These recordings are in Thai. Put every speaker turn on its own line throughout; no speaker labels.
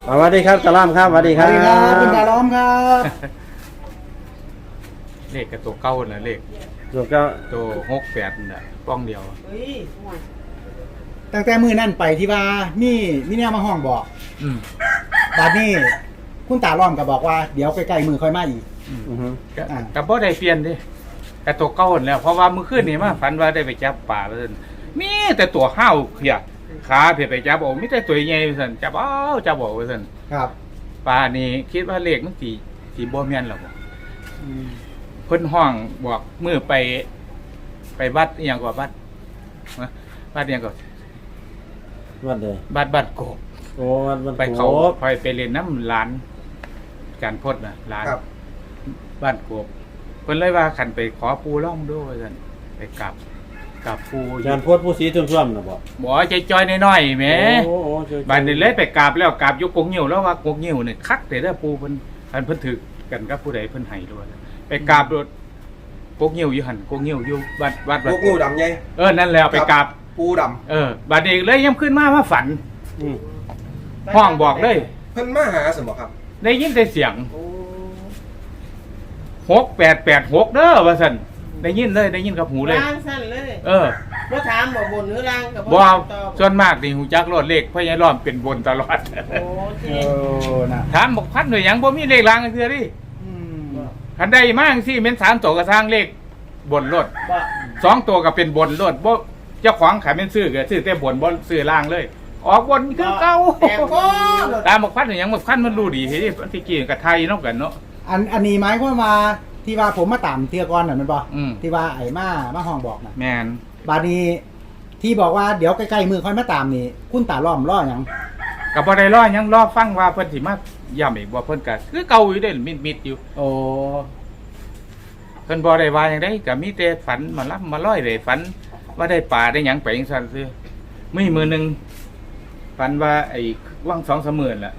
สวัสดีครับตาล้อมครับสวัสดีครับ
คุณตาล้อมครับ
เลขกับตัวเก้าน่ะเลข
ถูกก็
ตัว68น่ะป้องเดียว
ตั้งแต่มือนั่นไปที่ว่ามีเนี่ยมาห้องบอก
อืม
บัดนี้คุณตาล้อมก็บอกว่าเดี๋ยวใกล้ๆมือค่อยมาอีก
อือฮึ
ก็บ่ได้เปลี่ยนเด้แต่ตัวเก้านั่นแหล้วเพราะว่ามื้อคืนนี่มาฝันว่าได้ไปจับปลาแล้วซั่นมีแต่ตัวห้าวเขียขาเพิ่นไปจับเอามีแต่ตัวใหญ่ว่าซั่นจับเอาจับเอาว่าซั่น
ครับ
ปลานี่คิดว่าเลขมันสิบ่แม่นหรอกบ่เพิ่นห้องบอกมื้อไปวัดอีหยังกว่าวัดนะวัดอีหยังก็
วัดเลย
วัดโกบ
โอ้วัด
ไปเขา
โข
ไปเรียนน้ำร้านการพดน่ะร้าน
ครับ
บ้านโกบเพิ่นเลยว่าขันไปขอปูร่องด้วยว่าซั่นไปกับปู
จานโพดผู้สีทุ่มๆนะบ่
บ่ใจจอยน้อยๆแหม
โอ้ช่วย
บ้านนี้เลยไปกราบแล้วกราบอยู่กงหิ้วแล้วว่ากงหิ้วนี่คักแต่เด้อปูเพิ่นเพิ่นถึกกันกับผู้ใดเพิ่นให้ด้วยไปกราบโดดกงหิ้วอยู่หั่นกงหิ้วอยู่วัด
พวกงูดำไง
นั่นแล้วไปกราบ
ปูด
บัดนี้เลยย่ำขึ้นมาฝัน
อืม
ห้องบอกเลย
ำเพิ่นมาหาสมบ่ครับ
ได้ยินแต่เสียง 6886เด้อว่าซั่นได้ยินเลยได้ยินกับหูเลย
ล่างสั้นเลย บ่ถามบ่บนหรือล่างกับ
บ่
ตอบ
ส่วนมากนี่หูจักรถเลขพญาล้อมเป็นบนตลอด
โอ้ที
โอ้นะ
ถามบอกพัดหน่วยหยังบ่มีเลขรางเทื่อดิ
อืม
คันได้มาจังซี่แม่น3ตัวก็สร้างเลขบนรถ
บ่
2ตัวก็เป็นบนรถบ่เจ้าของขายแม่นซื้อก็ซื้อแต่บนบ่ซื้อล่างเลย ออกบนคือเก่า
แต่บ่
ตามบอกพัดหน่วยหยังบอกพัดมันรู้ดีเฮ้ยที่กี้กับไทยเนาะกันเนาะ
อันนี้หมายความว่าที่ว่าผมมาตามเที่ยก่อนน่ะมันบ่
อืม
ที่ว่าไอ้มาห้องบอกน่ะ
แม่น
บัดนี้ที่บอกว่าเดี๋ยวใกล้ๆมือค่อยมาตามนี่คุณตาล้อมล้อหยัง
ก็บ่ได้รอหยังรอฟังว่าเพิ่นสิมาย้ำอีกบ่เพิ่นก็คือเก่าอยู่เด้มิดๆอยู่
โอ้
เพิ่นบ่ได้ว่าหยังได้ก็มีแต่ฝันมารับมาร้อยเลยฝันว่าได้ปลาได้หยังไปจังซั่นซื่อมีมื้อหนึงฝันว่าไอ้ว่าง2-3มื้อล่ะ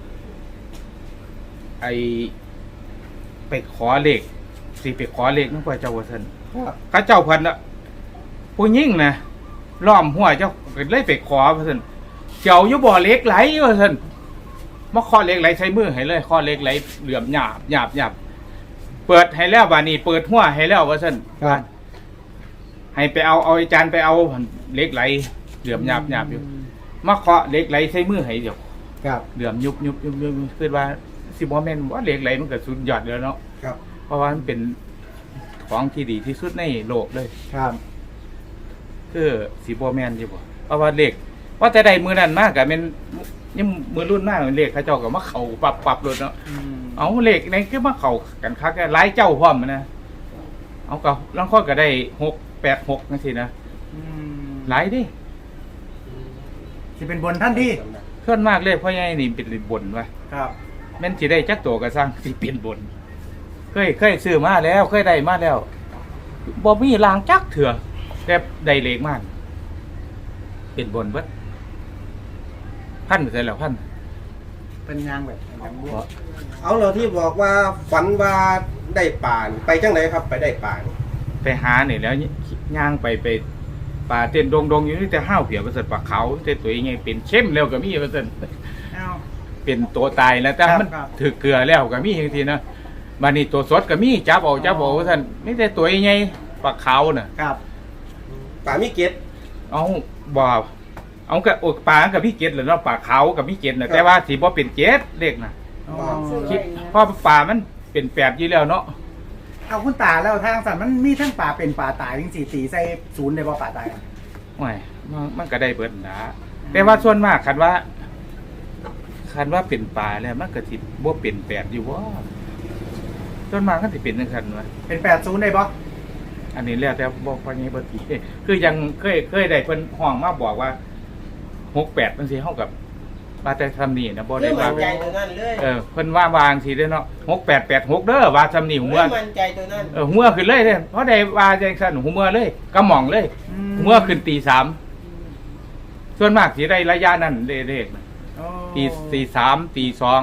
ไอ้ไปขอเลขสิไปขอเลขนำพระเจ้าว่าซั่น
ครับ
เขาเจ้าเพิ่นน่ะผู้หญิงน่ะล้อมหัวเจ้าก็เลยไปขอว่าซั่นเจ้าอยู่บ่อเหล็กไหลว่าซั่นมาขอเหล็กไหลใส่มือให้เลยขอเหล็กไหลเหลื่อมหยาบเปิดให้แล้วบัดนี้เปิดหัวให้แล้วว่าซั่น
ครับ
ให้ไปเอาอาจารย์ไปเอาเหล็กไหลเหลื่อมหยาบอยู่มาเคาะเหล็กไหลใส่มือให้เดี๋ยว
ครับ
เหลื่อมยุบคือว่าสิบ่แม่นว่าเหล็กไหลมันก็สุดยอดแล้วเนาะ
ครับ
เพราะว่ามันเป็นของที่ดีที่สุดในโลกเลย
ครับ
คือสิบ่แม่นอยู่บ่เพราะว่าเหล็กว่าแต่ใดมือนั้นมากก็แม่นยังมือรุ่นมากเหล็กเขาเจ้าก็มาเข้าปรับรถเนาะเอาเหล็กในคือมาเข้ากันคักแค่หลายเจ้าพร้อมนะเอาก็ลางคนก็ได้686จังซี่นะหลายดิ
สิเป็นบนท่านที่
ส่วนมากเลยพ่อใหญ่นี่เป็นบนว่ะ
ครับ
แม่นสิได้จักตัวก็สร้างสิเป็นบนเคยซื้อมาแล้วเคยได้มาแล้วบ่มีรางจักเถื่อแต่ได้เลขมากเป็นบนเบิดพันไปใส่แล้วพัน
เป็นยางแบบยางบวก
เอาเราที่บอกว่าฝันว่าได้ป่านี่ไปจังไหนครับ ไปได้ป่านี่
ไปหานี่แล้วย่างไปป่าเต้นดงอยู่นี่แต่ห้าวเผียวประเสริฐปลาเขาแต่ตัวยังไงเป็นเข้มแล้วก็มีประเสริฐ
เอ้า
เป็นตัวตายแล้วแต่
ครับ
มัน
ครับ
ถือเกลือแล้วก็มีบางทีนะบัดนี้ตัวสดก็มีจับเอาว่าซั่นไม่แต่ตัวยังไงปลาเขาน่ะ
ครับ
ป่ามีเกต
เอาบ่เอากับปลากับพี่เกดแหละเนาะปลาเขากับพี่เกดน่ะแต่ว่าสิบ่เป็นเกดเล็กน่ะ
อ๋อ
คิดเพราะปลามันเป็น8อยู่แล้วเนาะ
เอาคุณตาแล้วทางสัตว์มันมีทั้งป่าเป็นป่าตายทั้ง4 4ใส่0ได้บ่ป่าตายอะ
โอ้ยมันก็ได้เบิดนะแต่ว่าส่วนมากคันว่าเป็นปลาแล้วมันก็สิบ่เป็น8อยู่บ่ส่วนมากมันสิเป็นจังซั่นวะ
เป็น80ได้บ่
อันนี้แล้วแต่บอกว่าไงบ่ตีคือยังเคยได้เพิ่นห้องมาบอกว่า68จังซี่เฮากับว่าแต่ทำนี่นะบ่
เรื่
ได้
อง
ว่า
มั่นใจตัวนั้นเลย
เพิ่นว่าวางสิเด้อเนาะ6886เด้อว่าทำนี่หัว
เรื่องมั่นใจตัวนั้น
หัวขึ้นเลยเด้อเพราะได้ว่าจังซั่นหัวเลยกระหม่องเลยหัวขึ้นตี3ส่วนมากสิได้ระยะนั้นเลขน่ะ
โอ้
ตี3ตี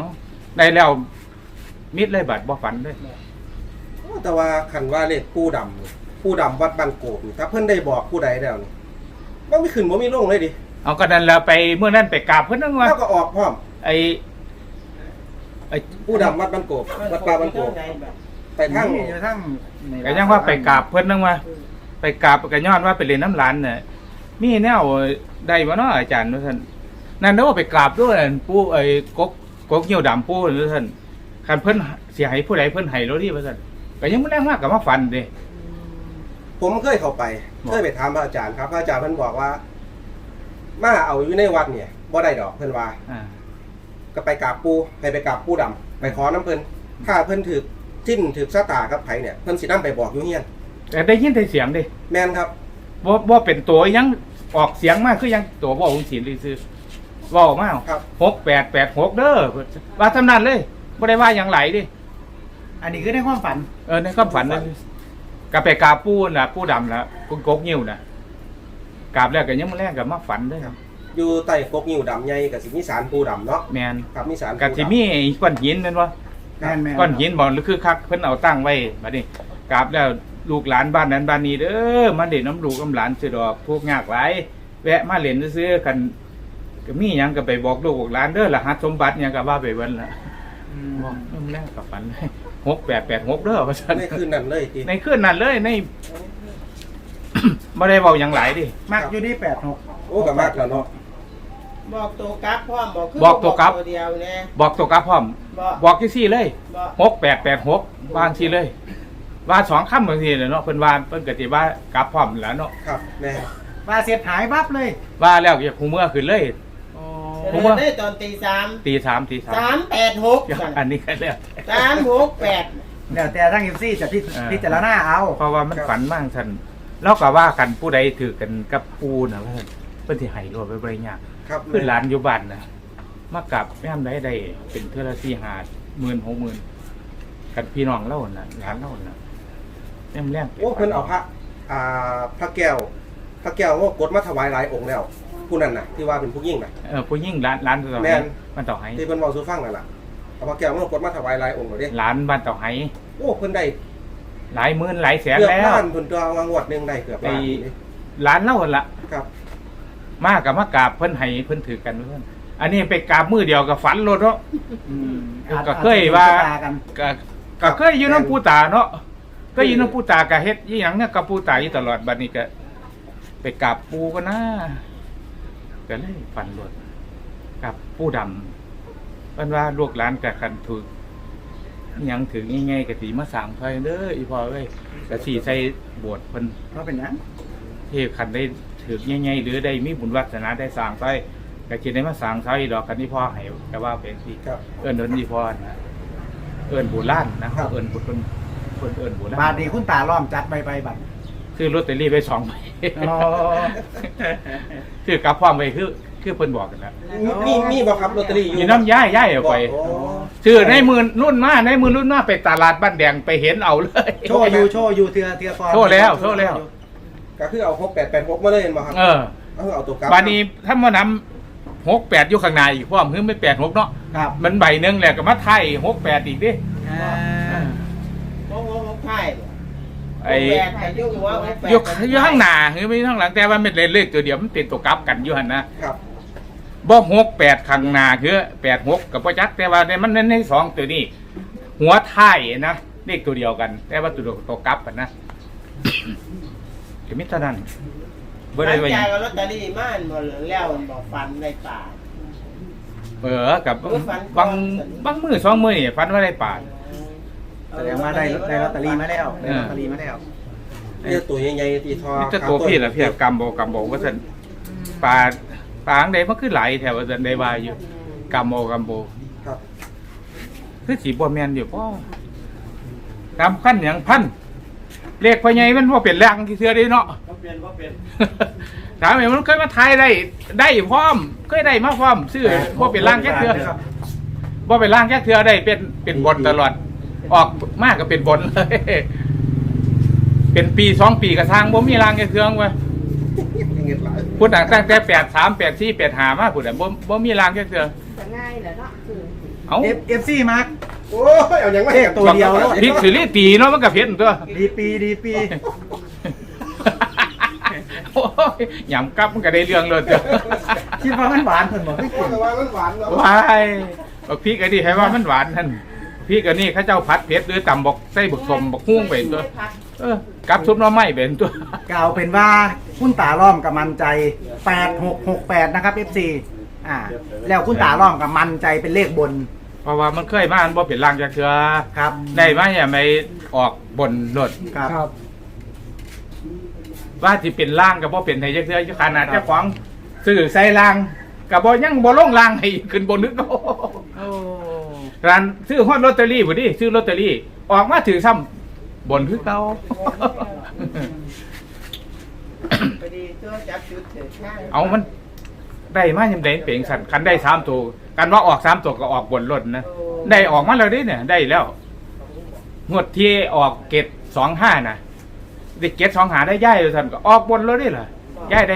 2ได้แล้วมิดเลยบัดบ่ฝันเลย
แต่ว่าคันว่าเลขปูดำนี่ปูดำวัดบ้านโกบนี่ถ้าเพิ่นได้บอกผู้ใดแล้วนี่บ่มีขึ้นบ่มีลงเลยดิ
เอาก็นั่นแล้วไปเมื่อนั้นไปกราบเพิ่นนั่นว่า
แล้วก็ออกพร้อม
ไอ้ไอ้
ผู้ดำวัดบ้านโกบวัดป่าบ้านโกบไปทาง
อยู่ทั้งใน
ก็ยังว่าไปกราบเพิ่นนึงว่าไปกราบก็ย้อนว่าไปเรียนน้ำร้านน่ะมีแนวได้บ่เนาะอาจารย์ว่าซั่นนั่นเด้อไปกราบด้วยปู่ไอ้กกเหี่ยวดำปู่ว่าซั่นคันเพิ่นสิให้ผู้ใดเพิ่นให้โลดนี่ว่าซั่นก็ยังบ่แรงมากก็มาฝันเด้
ผมเคยเข้าไปเคยไปถามพระอาจารย์ครับพระอาจารย์เพิ่นบอกว่า มาเอาอยู่ในวัดเนี่ยบ่ได้ดอกเพิ่นว่า ก็ไปกราบปู่ให้ไปกราบปู่ดำไปขอน้ำเพิ่นถ้าเพิ่นถึกจิ้นถึกชะตากับไผเนี่ยเพิ่นสินำไปบอกอยู่เฮียน
แต่ได้ยินแต่เสียงเด้
แม่นครับ
บ่เป็นตัวยังออกเสียงมากคือยังตัวบ่องศิลป์ซื่อเว้ามา
ครับ
6886เด้อว่าทำนั้นเลยบ่ได้ว่าหยังไหลดิ
อันนี้คือในความฝัน
ในความฝันนั่นก็ไปกราบปู่น่ะปู่ดำน่ะปู่กกงิ้วน่ะกราบแล้วก็ยังมื้อแรกก็มาฝันเด้อ
อยู่ใต้กกงิ้วดำใหญ่กับสิมีศาลปู่ดำเนาะ
แม่น
ครับมีศาล
ก็สิมีไอ้ก้อนหินนั่นวะ
แม่น
ก้อนหินบ่หรือคือคักเพิ่นเอาตั้งไว้บัดนี้กราบแล้วลูกหลานบ้านนั้นบ้านนี้เด้อมาเล่นน้ำลูกน้ำหลานสิดอกทุกข์ยากหลายแวะมาเล่นซื่อๆกันก็มีหยังก็ไปบอกลูกบอกหลานเด้อรหัสสมบัติหยังก็ว่าไปเบิ่นล่ะบอกนำแล้วก็ฝันเลย6886เด้อว่าซั่น
ในคืนนั้นเลยที
ในคืนนั้นเลยใน บ่ได้เว้าหยังหลายดิ
มักอยู่ที่86
โอ้ก็มากแล้วเนาะ
บอกตัวกลับพร้อมบอกคือ
บอกตัวกลับ
ตัวเดียวแน่
บอกตัวกลับพร้อม
บอก
บอกจังซี่เลย
บอก
6886วางซี่เลย ว่า2คำบางทีเนาะเพิ่นว่าเพิ่นก็สิว่ากลับพร้อมแล้วเนาะ
ครับแม่
ว่าเสียหายปั๊บเลย
ว่าแล้วอย่าฮู้เมื่อขึ้นเลย ผมว่า
ได้ตอนตีสาม
ตี3
386
อันนี้ก็แล้ว
368
แล้วแต่ทั้ง FC จะพิจารณาเอา
เพราะว่ามันฝันมากท่านแล้วก็ว่ากันผู้ใดถือกันกับปูน่ะว่าซั่นเพิ่นสิให้รวดไปบ่ได้ยาก
ครับ
คือหลานอยู่บ้านน่ะมากลับยามใดได้เป็นเทื่อละ4-5 หมื่น 60,000กันพี่น้องเล่าน่ะหลานเล่าน่ะแม่มแรง
โอ้เพิ่นเอาพระแก้วว่ากดมาถวายหลายองค์แล้ว ผู้นั้นน่ะที่ว่าเป็นผู้ยิ่งน่ะ
ผู้หญิงร้านต่อ
แม่
ให้
น
บ้านต่อให้
ที่เพิ่นเว้าสู่ฟังนั่นล่ะเอาพระแก้วมากดมาถวายหลายองค์แล้วเด้
ร้านบ้านต่อให้
โอ้เพิ่นได้
หลายหมื่นหลายแสน
เกือบ
แล้ว
ล้านเพิ่นตัววางวดหนึงได้เกือบล้านนี่
ร้านเล่าหั่นล่ะ
ครับ
มากับมากราบเพิ่นให้เพิ่นถือกันเพิ่นอันนี้ไปกราบมือเดียวกับฝันโลดเนาะ ก็เคยว่า
กัน
ก็เคยอยู่น้ำปูตาเนาะก็อยู่น้ำปูตาก็เฮ็ดอีหยังเนี่ยกับปูตาอยู่ตลอดบัดนี้ก็ไปกราบปูก็นะก็เลยฝันโลดกับปูดำเพิ่นว่าลูกหลานก็คันถูกอิหยังถึงง่ายๆก็สิมาสร้างไฟเด้ออีพ่อเอ้ยก็สิใส่โบสถ์เพิ่น
เพราะเป็นหยัง
ที่คันได้ถือง่ายๆหรือได้มีบุญวาสนาได้สร้างไฟก็สิได้มาสร้างไฟดอกคันที่พ่อให้ก็ว่าเป็นสิ
ครับ
เอิ้นอีพ่อนะเอิ้นโบราณนะเฮาเอิ้นบุญเพิ่นเอิ้นโบราณ
บาทนี้คุณตาล้อมจัดใบบัตร
ซื้อลอตเตอรี่ไป2ใบ
อ๋อ
ซื้อกลับพร้อมไปคือเพิ่นบอกกันแล้ว
มีบ่ครับลอตเตอรี่อยู่
อยู่น้ำย้ายเอาไป
โอ้
ซื้อในมือรุ่นมาไปตลาดบ้านแดงไปเห็นเอาเลย
โชว์อยู่เทือฟอร์ม
โชว์แล้ว
ก็คือเอา6886มาเลยเห็นบ่ครับ เอาตัวกลับ
บานี้ถ้ามานํ68อยู่ข้างในอีกพร้อมคือไม่86เนาะ
ครับ
มันใบหนึงแหละก็มาไทย68อีกดิ
โอ้โหใช่
ไอ้
แปดแต่ยุ่งหัวแปด
อยู่ข้างหน้าคือไม่ข้างหลังแต่ว่ามันเล่นเลขตัวเดียวมันเป็นตัวกลับกันอยู่หั่นนะ
ครับ
บ่68ข้างหน้าคือ86กับบ่จักแต่ว่ามันใน2ตัวนี้ หัวท้ายนะเลขตัวเดียวกัน แต่ว่าตัวกลับกันนะ ก็มีเท่านั้นบ่ได้ว่าห
ใจ
ยัง
กับลอตเตอรี่ม่านบ่แล้วบอกฟันในป่า
กับบางมื้อ2มื้อนี่ฝันว่าได้ปลา
แสดงว่าได้ลอตเตอรี่มาแล้วได้ลอตเตอรี่มาแล้ว
นี่ตัวใหญ่ๆที่ทอ
มีแต่ตัวพี่ล่ะพี่กำบ่ว่าซั่นปลาอังใดมันคือหลายแถวว่าซั่นได้ว่าอยู่กำบ่
ครับ
คือสิบ่แม่นอยู่บ่กำพันหยังพันเลขพ่อใหญ่มันบ่เป็นแรงที่เทื่อเด้เนาะ
บ่เปลี่ยน
ถามว่ามันเคยมาทายได้พร้อมเคยได้มาพร้อมซื้อบ่เป็นร่างแค่เทื่อบ่เป็นร่างแค่เทื่อได้เป็นบนตลอดออกมากก็เป็นบนเลย เป็นปี2ปีก็ทางบ่มีร่างแค่เทื่อว่า
เงินหลาย
พูดตั้งแต่83 84 85มาพุ่นน่ะบ่มีร่างแค่เทื่อ
จะง่ายเหรอเนาะคือ
เอ้า
FC มาร์ค
โอ้ยเอาอย่างไร
เลขตัวเดียวแล้ว
พริกสิริตีเนาะมันก็เผ็ดตัว
ดีปี
โอ้ยยำกับมันก็ได้เรื่องเลยจ้ะ
คิดว่ามันหวานเพิ่นบอกให้กิน
แต่ว่ามันหวานแล้ว
ว้ายพี่ก็นี่ให้ว่ามันหวานท่านพี่ก็นี่เขาเจ้าผัดเผ็ดหรือตำบอกใส่บักสมบักฮุ้งเป็นตัวกับซุปหน้ำไม้เป็นตัว
กล่าวเป็นว่าคุณตาล้อมกับมันใจ8668นะครับ FC แล้วคุณตาล้อมกับมันใจเป็นเลขบน
เพราะว่ามันเคยมาอันบ่เป็นรางจากเทือ
ครับ
ได้มาอย่าไม่ออกบนรถ
ครับ
ว่าที่เป็นล่างกับบ่เป็นไทยจากเทือขนาดเจ้าของซื้อใส่ล่างกับบ่ยังบ่ลงล่างให้ขึ้นบนนึกเอาร้านซื้อฮอดลอตเตอรี่บ่ดิซื้อลอตเตอรี่ออกมาถือซ้ำบนคือเก่า
พอดีตัวจับจุดเถิดข้าง
เอามันได้มายังได้เปล่งสั่นคันได้3ตัวกันว่าออก3ตัวก็ออกบนรถนะได้ออกมาแล้วดิเนี่ยได้แล้วงวดที่ออกเกต25น่ะได้เกต25ได้ย้ายสั่นก็ออกบนรถดิล่ะย้ายได้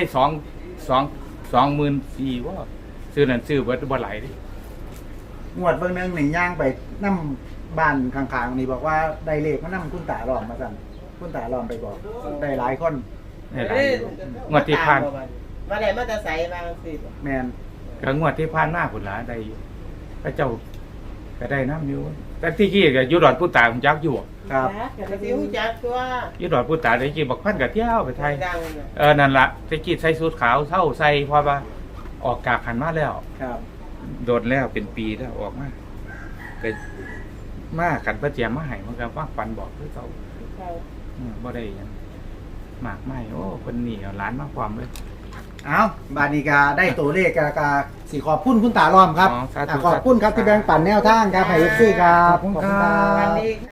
24,000ว่าซื้อนั่นซื้อเบิดบ่หลายดิ
งวดเบิ่งหนึงนี่ย่างไปนํบ้านข้างๆนี่บอกว่าได้เลขมานํคุณตาล้อมมาสั่นคุณตาล้อมไปบอกได้หลายคน
ได้หลายงวดที่ผ่าน
มาได้มาแต่ใส่บางสิ
แมน
ก็งวดที่ผ่านมาพุ่นล่ะได้อยู่พระเจ้าก็ได้น้ำอยู่แต่ที่กี้ก็อยู่ดอนผู้ตาผมจักอยู่
ครับ
กระซิวจักตัว
อยู่ดอนผู้ตาได้กี้บักพันก็เที่ยวไปไทย
ดังน่ะ
นั่นล่ะที่กี้ใส่สูทขาวเศร้าใส่เพราะว่าออกกากหันมาแล้ว
ครับ
โดนแล้วเป็นปีแล้วออกมาก็มากันประเจียมมาให้มันก็ว่าฟันบอกคือเขาบ่ได้หยังมากไม่โอ้คนนี่เอาหล้านมาความเลย
เอาบาดนี้ก็ได้ตัวเลขกะสิขอบคุณคุณตาล้อมครับ
อ๋อสาธุ
ขอบคุณครับที่แบ่งปันแนวทางครับให้ FC ครับ
ขอบคุณครับ
วันนี้